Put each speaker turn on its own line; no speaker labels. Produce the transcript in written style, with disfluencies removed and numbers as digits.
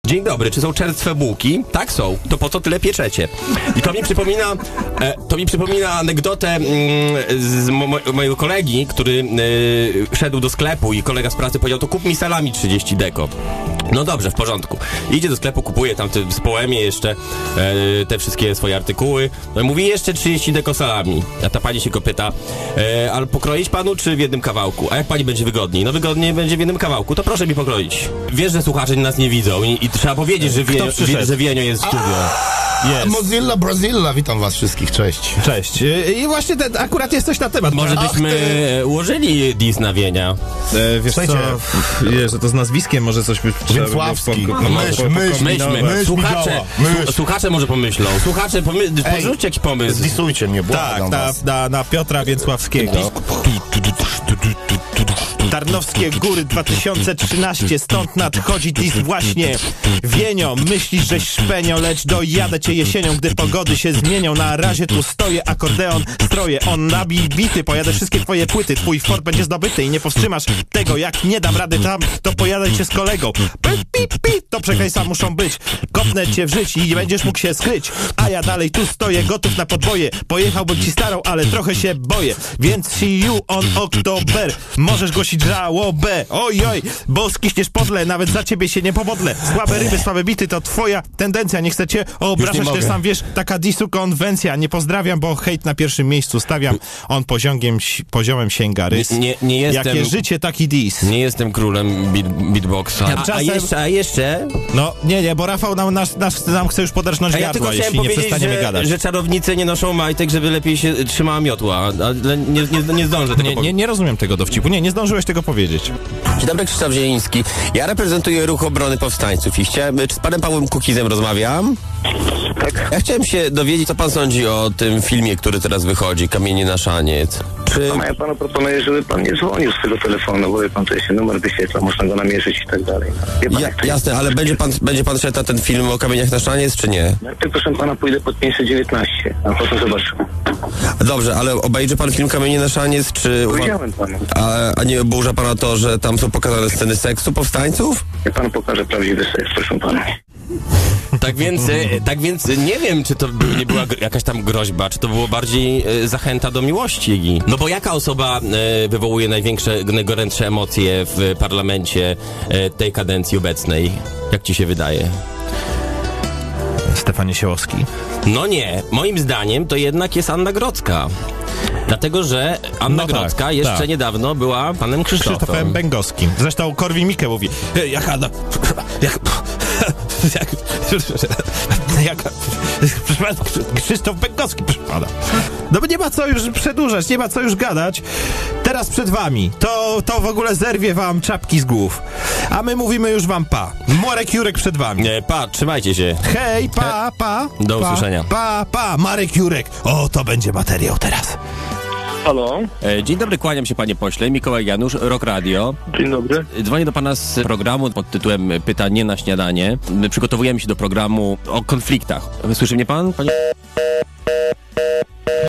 Dzień dobry, czy są czerstwe bułki? Tak są. To po co tyle pieczecie? I to mi przypomina anegdotę z mojego kolegi, który szedł do sklepu i kolega z pracy powiedział, to kup mi salami 30 deko. No dobrze, w porządku. Idzie do sklepu, kupuje tam z Poemie jeszcze te wszystkie swoje artykuły. No i mówi, jeszcze 30 deko salami. A ta pani się go pyta, ale pokroić panu, czy w jednym kawałku? A jak pani będzie wygodniej? No wygodniej będzie w jednym kawałku, to proszę mi pokroić. Wiesz, że słuchacze nas nie widzą i trzeba powiedzieć, że Wienio jest w studio.
Jest. Mozilla Brazilla, witam was wszystkich, cześć.
Cześć. I właśnie akurat jest coś na temat.
Może byśmy ułożyli dis na Wienia.
Wiesz co, że to z nazwiskiem może coś by trzeba
Więcławski.
Słuchacze może pomyślą. Słuchacze, porzućcie jakiś pomysł.
Zdisujcie mnie, błagam was.
Na Piotra Więcławskiego. Tarnowskie Góry 2013, stąd nadchodzi dis właśnie. Wienio, myślisz, żeś szpenio, lecz dojadę cię jesienią, gdy pogody się zmienią. Na razie tu stoję, akordeon stroję, on nabij bity, pojadę wszystkie twoje płyty, twój fort będzie zdobyty i nie powstrzymasz tego. Jak nie dam rady tam, to pojadę cię z kolegą. To przekleństwa muszą być, kopnę cię w żyć i nie będziesz mógł się skryć. A ja dalej tu stoję, gotów na podboje. Pojechałbym ci starą, ale trochę się boję. Więc see you on Oktober. Możesz głosić żałobę, ojoj, bo skiśniesz podle, nawet za ciebie się nie pomodlę. Słabe ryby, słabe bity, to twoja tendencja. Nie chcę cię obrażać, też sam wiesz, taka disu konwencja. Nie pozdrawiam, bo hejt na pierwszym miejscu stawiam. On poziomem sięga rys.
Nie jestem,
jakie życie, taki dis.
Nie jestem królem beatboxa. A jeszcze?
No, nie, bo Rafał nam chce już podarznąć gardła, jeśli nie przestaniemy gadać.
Że czarownice nie noszą majtek, żeby lepiej się trzymała miotła, ale nie zdążę tego
nie rozumiem tego dowcipu. Nie zdążyłeś tego powiedzieć.
Dzień dobry, Krzysztof Zieliński. Ja reprezentuję Ruch Obrony Powstańców i czy z panem Pawłem Kukizem rozmawiam?
Tak.
Ja chciałem się dowiedzieć, co pan sądzi o tym filmie, który teraz wychodzi, Kamienie na szaniec.
Ja panu proponuję, żeby pan nie dzwonił z tego telefonu, bo wie pan, to się numer wyświetla, można go namierzyć i tak dalej.
Jasne, ale będzie pan szedł na ten film o Kamieniach na szaniec, czy nie?
Najpierw, proszę pana, pójdę pod 519, a potem zobaczymy.
Dobrze, ale obejrzy pan film Kamienie na szaniec, czy...
Powiedziałem panu.
A nie oburza pana to, że tam są pokazane sceny seksu powstańców?
Ja panu pokażę prawdziwy seks, proszę pana.
Tak więc nie wiem, czy to nie była jakaś tam groźba, czy to było bardziej zachęta do miłości. No bo jaka osoba wywołuje najgorętsze emocje w parlamencie tej kadencji obecnej? Jak ci się wydaje?
Stefan Niesiołowski.
No nie, moim zdaniem to jednak jest Anna Grodzka. Dlatego, że Anna Grodzka jeszcze niedawno była panem
Krzysztofem Bęgowskim. Zresztą Korwin-Mikke mówi, Krzysztof Bęgowski, proszę pana. No bo nie ma co już przedłużać, nie ma co już gadać. Teraz przed wami. To w ogóle zerwie wam czapki z głów. A my mówimy już wam pa. Marek Jurek przed wami.
Pa, trzymajcie się.
Hej, pa.
Do usłyszenia.
Pa. Marek Jurek. O, to będzie materiał teraz.
Halo?
Dzień dobry, kłaniam się panie pośle. Mikołaj Janusz, Rock Radio.
Dzień dobry.
Dzwonię do pana z programu pod tytułem Pytanie na śniadanie. My przygotowujemy się do programu o konfliktach. Słyszy mnie pan, panie?